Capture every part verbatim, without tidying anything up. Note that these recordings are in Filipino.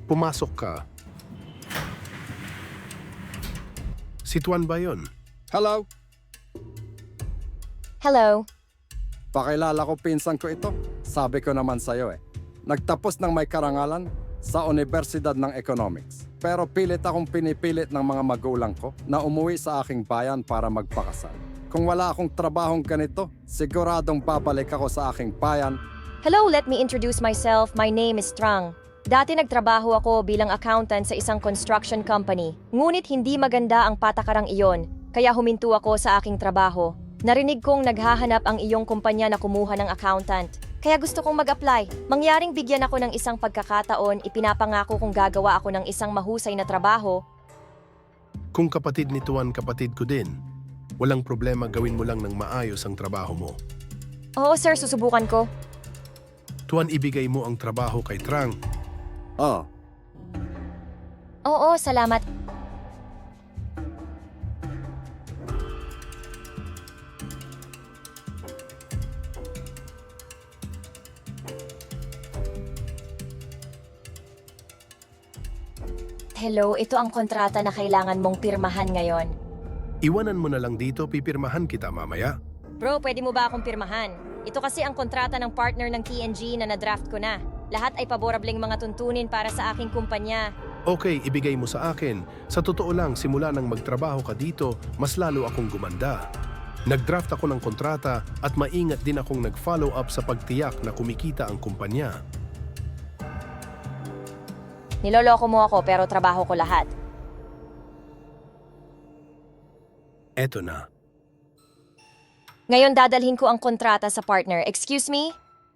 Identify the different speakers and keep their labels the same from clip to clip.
Speaker 1: Pumasok ka. Si Tuan ba yun?
Speaker 2: Hello?
Speaker 3: Hello.
Speaker 2: Pakilala ko pinsan ko ito. Sabi ko naman sa'yo eh. Nagtapos ng may karangalan sa Universidad ng Economics. Pero pilit akong pinipilit ng mga magulang ko na umuwi sa aking bayan para magpakasal. Kung wala akong trabahong ganito, siguradong babalik ako sa aking bayan.
Speaker 3: Hello, let me introduce myself. My name is Trang. Dati nagtrabaho ako bilang accountant sa isang construction company. Ngunit hindi maganda ang patakarang iyon, kaya huminto ako sa aking trabaho. Narinig kong naghahanap ang iyong kumpanya na kumuha ng accountant. Kaya gusto kong mag-apply. Mangyaring bigyan ako ng isang pagkakataon, ipinapangako kong gagawa ako ng isang mahusay na trabaho.
Speaker 1: Kung kapatid ni Tuan kapatid ko din, walang problema, gawin mo lang ng maayos ang trabaho mo.
Speaker 3: Oo sir, susubukan ko.
Speaker 1: Tuan, ibigay mo ang trabaho kay Trang.
Speaker 2: Oh,
Speaker 3: Oo, salamat. Hello, ito ang kontrata na kailangan mong pirmahan ngayon.
Speaker 1: Iwanan mo na lang dito, pipirmahan kita mamaya.
Speaker 3: Bro, pwede mo ba akong pirmahan? Ito kasi ang kontrata ng partner ng T N G na nadraft ko na. Lahat ay paborableng mga tuntunin para sa aking kumpanya.
Speaker 1: Okay, ibigay mo sa akin. Sa totoo lang, simula nang magtrabaho ka dito, mas lalo akong gumanda. Nagdraft ako ng kontrata at maingat din akong nag-follow up sa pagtiyak na kumikita ang kumpanya.
Speaker 3: Niloloko mo ako pero trabaho ko lahat.
Speaker 1: Eto na.
Speaker 3: Ngayon dadalhin ko ang kontrata sa partner. Excuse me?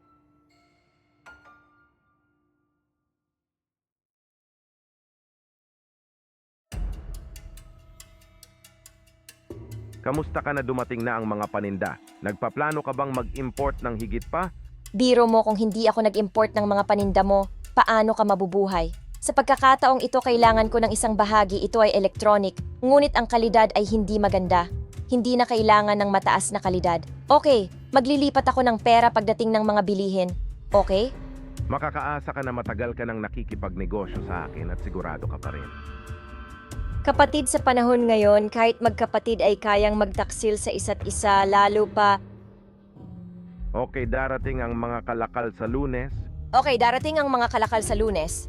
Speaker 4: Kamusta ka na dumating na ang mga paninda? Nagpaplano ka bang mag-import ng higit pa?
Speaker 3: Biro mo kung hindi ako nag-import ng mga paninda mo, paano ka mabubuhay? Sa pagkakataong ito kailangan ko ng isang bahagi, ito ay electronic, ngunit ang kalidad ay hindi maganda. Hindi na kailangan ng mataas na kalidad. Okay, maglilipat ako ng pera pagdating ng mga bilihin. Okay?
Speaker 4: Makakaasa ka na matagal ka nang nakikipagnegosyo sa akin at sigurado ka pa rin.
Speaker 3: Kapatid, sa panahon ngayon, kahit magkapatid ay kayang magtaksil sa isa't isa, lalo pa...
Speaker 4: Okay, darating ang mga kalakal sa Lunes.
Speaker 3: Okay, darating ang mga kalakal sa Lunes.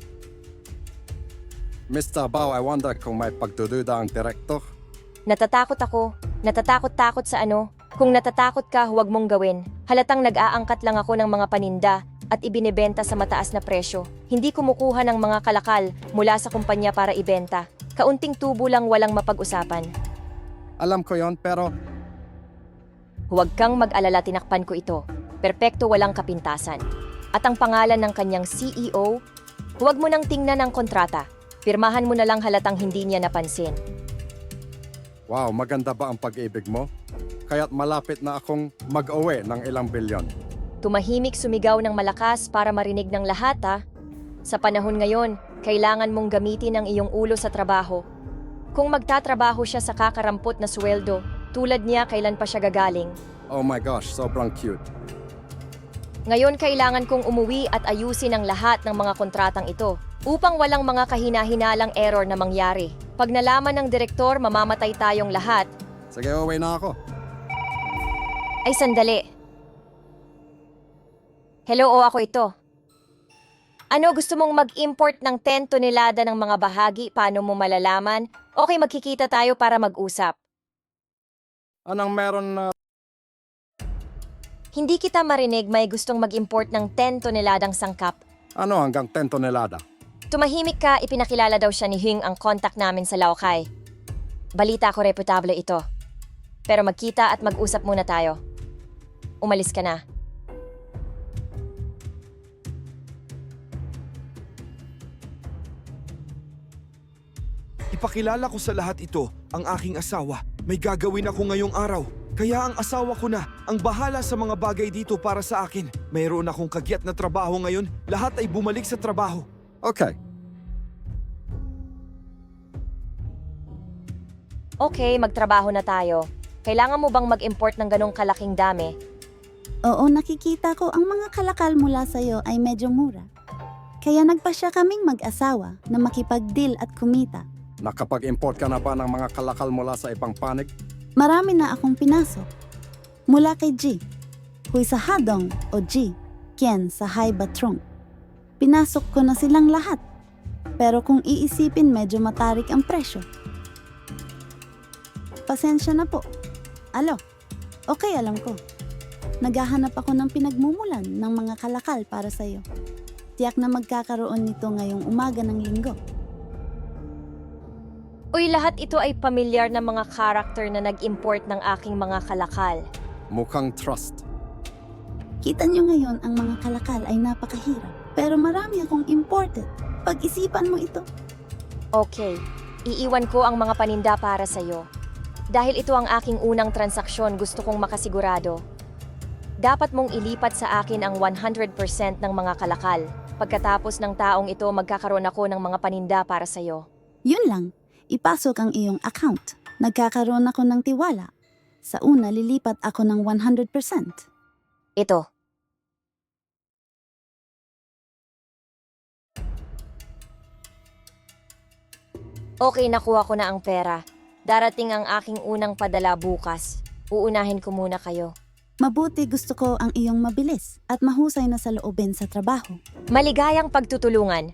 Speaker 2: mister Bao, I wonder kung may pagdududa ang direktor.
Speaker 3: Natatakot ako. Natatakot-takot sa ano? Kung natatakot ka, huwag mong gawin. Halatang nag-aangkat lang ako ng mga paninda at ibinebenta sa mataas na presyo. Hindi kumukuha ng mga kalakal mula sa kumpanya para ibenta. Kaunting tubo lang, walang mapag-usapan.
Speaker 2: Alam ko yon, pero
Speaker 3: Huwag kang mag-alala, tinakpan ko ito. Perpekto, walang kapintasan. At ang pangalan ng kanyang C E O, huwag mo nang tingnan ang kontrata. Pirmahan mo na lang, halatang hindi niya napansin.
Speaker 2: wow, maganda ba ang pag-ibig mo? Kaya't malapit na akong mag-uwi ng ilang bilyon.
Speaker 3: Tumahimik, sumigaw ng malakas para marinig ng lahat, ha? Sa panahon ngayon, kailangan mong gamitin ang iyong ulo sa trabaho. Kung magtatrabaho siya sa kakarampot na sweldo, tulad niya, kailan pa siya gagaling?
Speaker 2: Oh my gosh, sobrang cute.
Speaker 3: Ngayon kailangan kong umuwi at ayusin ang lahat ng mga kontratang ito upang walang mga kahina-hinalang error na mangyari. Pag nalaman ng direktor, mamamatay tayong lahat.
Speaker 2: Sige, uwi na ako.
Speaker 3: Ay, sandali. Hello, o ako ito. Ano, gusto mong mag-import ng ten tonelada ng mga bahagi? Paano mo malalaman? Okay, magkikita tayo para mag-usap.
Speaker 2: Anong meron na...
Speaker 3: Hindi kita marinig, may gustong mag-import ng ten toneladang sangkap.
Speaker 2: Ano hanggang ten tonelada?
Speaker 3: Tumahimik ka, ipinakilala daw siya ni Hing ang contact namin sa Laokai. Balita ko, reputable ito. Pero magkita at mag-usap muna tayo. Umalis ka na.
Speaker 5: Ipakilala ko sa lahat ito, ang aking asawa. May gagawin ako ngayong araw. Kaya ang asawa ko na ang bahala sa mga bagay dito para sa akin. Mayroon akong kagyat na trabaho ngayon. Lahat ay bumalik sa trabaho.
Speaker 2: Okay.
Speaker 3: Okay, magtrabaho na tayo. Kailangan mo bang mag-import ng ganong kalaking dami?
Speaker 6: Oo, nakikita ko ang mga kalakal mula sa'yo ay medyo mura. Kaya nagpasya kaming mag-asawa na makipag-deal at kumita.
Speaker 2: Nakapag-import ka na ba ng mga kalakal mula sa ibang panig?
Speaker 6: Marami na akong pinasok. Mula kay G, Huy sa Hadong o G, Kien sa Hai Batrong. Pinasok ko na silang lahat. Pero kung iisipin medyo matarik ang presyo. Pasensya na po. Alo, okay alam ko. Naghahanap ako ng pinagmumulan ng mga kalakal para sa'yo. Tiyak na magkakaroon nito ngayong umaga ng linggo.
Speaker 3: Uy, lahat ito ay pamilyar na mga karakter na nag-import ng aking mga kalakal.
Speaker 2: Mukhang trust.
Speaker 6: Kita nyo ngayon ang mga kalakal ay napakahirap. Pero marami akong imported. Pag-isipan mo ito.
Speaker 3: Okay, iiwan ko ang mga paninda para sa'yo. Dahil ito ang aking unang transaksyon, gusto kong makasigurado. Dapat mong ilipat sa akin ang one hundred percent ng mga kalakal. Pagkatapos ng taong ito, magkakaroon ako ng mga paninda para sa'yo.
Speaker 6: Yun lang, ipasok ang iyong account. Nagkakaroon ako ng tiwala. Sa una, lilipat ako ng one hundred percent.
Speaker 3: Ito. Okay, nakuha ko na ang pera. Darating ang aking unang padala bukas. Uunahin ko muna kayo.
Speaker 6: Mabuti gusto ko ang iyong mabilis at mahusay na sa loobin sa trabaho.
Speaker 3: Maligayang pagtutulungan.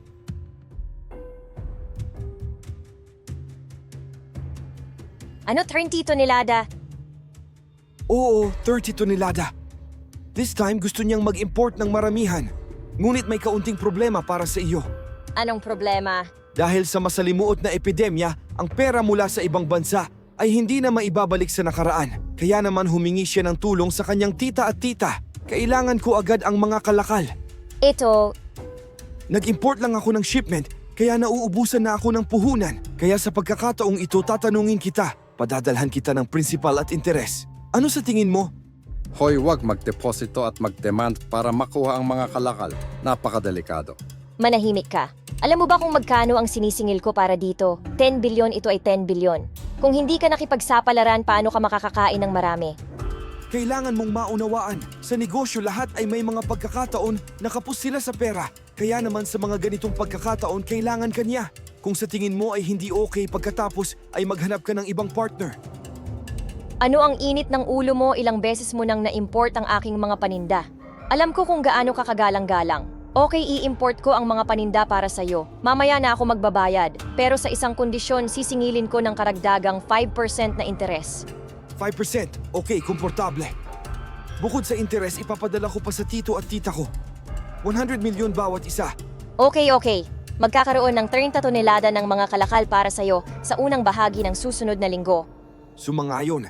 Speaker 3: Ano, thirty tonelada?
Speaker 5: Oo, thirty tonelada. This time gusto niyang mag-import ng maramihan. Ngunit may kaunting problema para sa iyo.
Speaker 3: Anong problema?
Speaker 5: Dahil sa masalimuot na epidemya, ang pera mula sa ibang bansa ay hindi na maibabalik sa nakaraan. Kaya naman humingi siya ng tulong sa kanyang tita at tita. Kailangan ko agad ang mga kalakal.
Speaker 3: Ito,
Speaker 5: Nag-import lang ako ng shipment, kaya nauubusan na ako ng puhunan. Kaya sa pagkakataong ito, tatanungin kita. Padadalhan kita ng principal at interes. Ano sa tingin mo?
Speaker 2: Hoy, wag magdeposito at magdemand para makuha ang mga kalakal. Napakadelikado.
Speaker 3: manahimik ka. Alam mo ba kung magkano ang sinisingil ko para dito? ten bilyon, ito ay ten bilyon. Kung hindi ka nakipagsapalaran, paano ka makakakain ng marami?
Speaker 5: Kailangan mong maunawaan. Sa negosyo, lahat ay may mga pagkakataon na kapos sila sa pera. Kaya naman sa mga ganitong pagkakataon, kailangan ka niya. Kung sa tingin mo ay hindi okay pagkatapos, ay maghanap ka ng ibang partner.
Speaker 3: Ano ang init ng ulo mo? Ilang beses mo nang na-import ang aking mga paninda. Alam ko kung gaano ka kagalang-galang. Okay, i-import ko ang mga paninda para sa'yo. Mamaya na ako magbabayad. Pero sa isang kondisyon, sisingilin ko ng karagdagang five percent na interes.
Speaker 5: five percent. Okay, komportable. Bukod sa interes, ipapadala ko pa sa tito at tita ko. one hundred milyon bawat isa.
Speaker 3: Okay, okay. Magkakaroon ng thirty tonelada ng mga kalakal para sa'yo sa unang bahagi ng susunod na linggo.
Speaker 5: Sumangayon.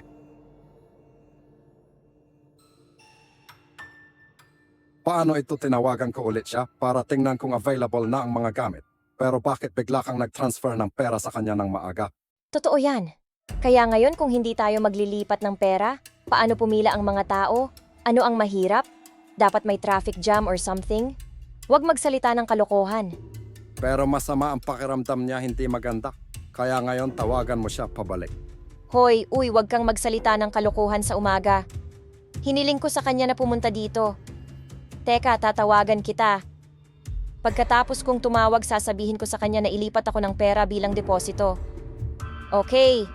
Speaker 2: Paano ito tinawagan ko ulit siya para tingnan kung available na ang mga gamit? Pero bakit bigla kang nag-transfer ng pera sa kanya ng maaga?
Speaker 3: Totoo yan. Kaya ngayon kung hindi tayo maglilipat ng pera, paano pumila ang mga tao? Ano ang mahirap? Dapat may traffic jam or something? Huwag magsalita ng kalokohan.
Speaker 2: Pero masama ang pakiramdam niya, hindi maganda. Kaya ngayon tawagan mo siya pabalik.
Speaker 3: Hoy, uy, huwag kang magsalita ng kalokohan sa umaga. Hiniling ko sa kanya na pumunta dito. Teka, tatawagan kita. Pagkatapos kong tumawag, sasabihin ko sa kanya na ilipat ako ng pera bilang deposito. Okay.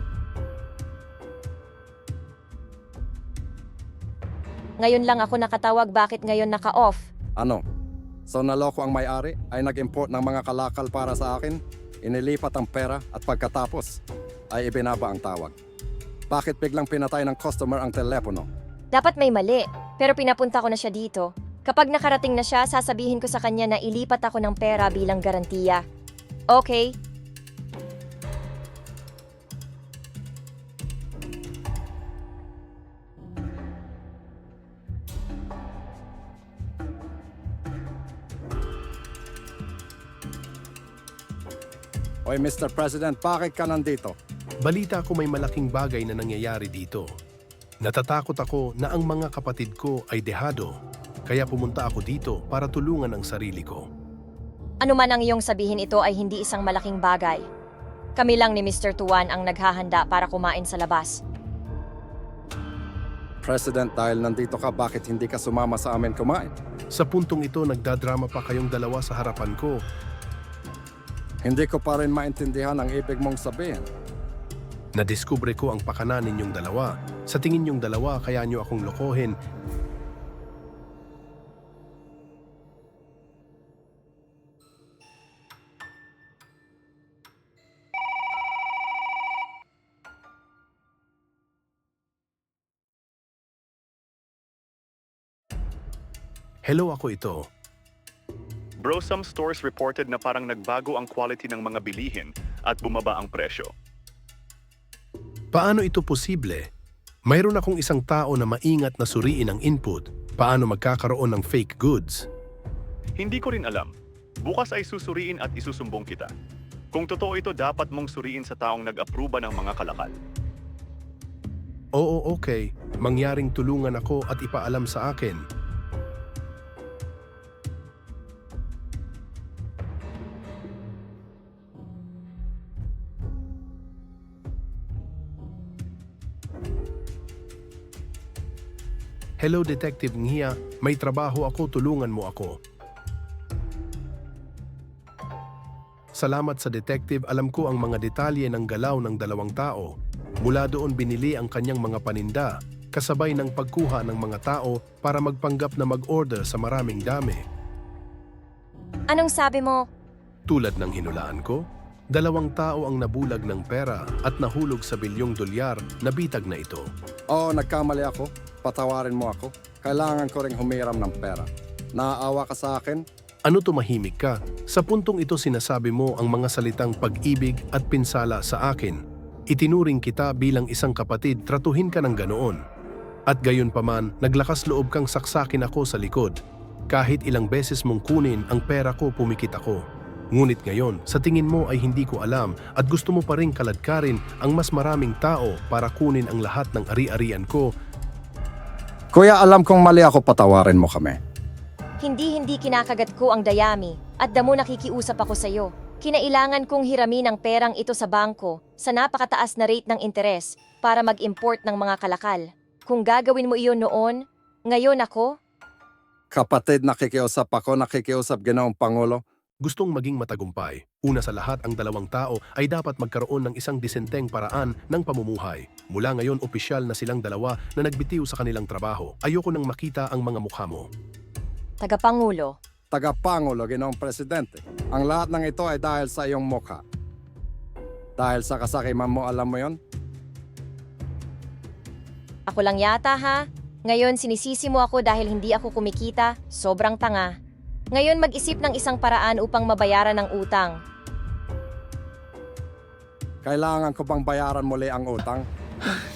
Speaker 3: Ngayon lang ako nakatawag, bakit ngayon naka-off?
Speaker 2: Ano? So naloko ang may-ari ay nag-import ng mga kalakal para sa akin, inilipat ang pera at pagkatapos ay ibinaba ang tawag. Bakit biglang pinatay ng customer ang telepono?
Speaker 3: Dapat may mali, pero pinapunta ko na siya dito. Kapag nakarating na siya, sasabihin ko sa kanya na ilipat ako ng pera bilang garantiya. Okay?
Speaker 2: Oy, Mister President, bakit ka nandito?
Speaker 1: Balita ko may malaking bagay na nangyayari dito. Natatakot ako na ang mga kapatid ko ay dehado, kaya pumunta ako dito para tulungan ang sarili ko.
Speaker 3: Ano man ang iyong sabihin, ito ay hindi isang malaking bagay. Kami lang ni Mister Tuan ang naghahanda para kumain sa labas.
Speaker 2: President, dahil nandito ka, bakit hindi ka sumama sa amin kumain?
Speaker 1: Sa puntong ito, nagdadrama pa kayong dalawa sa harapan ko.
Speaker 2: Hindi ko pa rin maintindihan ang ibig mong sabihin.
Speaker 1: Nadiskubre ko ang pakana ninyong dalawa. Sa tingin ninyong dalawa, kaya nyo akong lokohin. Hello, ako ito.
Speaker 7: Bro, some stores reported na parang nagbago ang quality ng mga bilihin at bumaba ang presyo.
Speaker 1: Paano ito posible? Mayroon akong isang tao na maingat na suriin ang input. Paano magkakaroon ng fake goods?
Speaker 7: Hindi ko rin alam. Bukas ay susuriin at isusumbong kita. Kung totoo ito, dapat mong suriin sa taong nag-aproba ng mga kalakal.
Speaker 1: Oo, okay. Mangyaring tulungan ako at ipaalam sa akin. Hello, Detective Nghia. May trabaho ako, tulungan mo ako. Salamat sa detective, alam ko ang mga detalye ng galaw ng dalawang tao. Mula doon binili ang kanyang mga paninda, kasabay ng pagkuha ng mga tao para magpanggap na mag-order sa maraming dami.
Speaker 3: Anong sabi mo?
Speaker 1: Tulad ng hinulaan ko, dalawang tao ang nabulag ng pera at nahulog sa bilyong dolyar na bitag na ito.
Speaker 2: Oo, nagkamali ako. Patawarin mo ako. Kailangan ko ring humiram ng pera. Naaawa ka sa akin?
Speaker 1: Ano tumahimik ka? Sa puntong ito sinasabi mo ang mga salitang pag-ibig at pinsala sa akin. Itinuring kita bilang isang kapatid, tratuhin ka ng ganoon. At gayon pa man, naglakas loob kang saksakin ako sa likod. Kahit ilang beses mong kunin ang pera ko, pumikit ako. Ngunit ngayon, sa tingin mo ay hindi ko alam at gusto mo pa rin kaladkarin ang mas maraming tao para kunin ang lahat ng ari-arian ko.
Speaker 2: Kuya, alam kong mali ako, patawarin mo kami.
Speaker 3: Hindi-hindi kinakagat ko ang dayami at damo nakikiusap ako sa iyo. Kinailangan kong hiramin ang perang ito sa bangko sa napakataas na rate ng interes para mag-import ng mga kalakal. Kung gagawin mo iyon noon, ngayon ako?
Speaker 2: Kapatid, nakikiusap ako, nakikiusap Ginoong Pangulo.
Speaker 1: Gustong maging matagumpay. Una sa lahat, ang dalawang tao ay dapat magkaroon ng isang disenteng paraan ng pamumuhay. Mula ngayon, opisyal na silang dalawa na nagbitiw sa kanilang trabaho. Ayoko nang makita ang mga mukha mo.
Speaker 3: Tagapangulo.
Speaker 2: Tagapangulo, Ginoong Presidente. Ang lahat ng ito ay dahil sa iyong mukha. Dahil sa kasakiman mo, alam mo yon?
Speaker 3: Ako lang yata ha? Ngayon sinisisi mo ako dahil hindi ako kumikita, sobrang tanga. Ngayon mag-isip ng isang paraan upang mabayaran ang utang.
Speaker 2: Kailangan ko bang bayaran muli ang utang?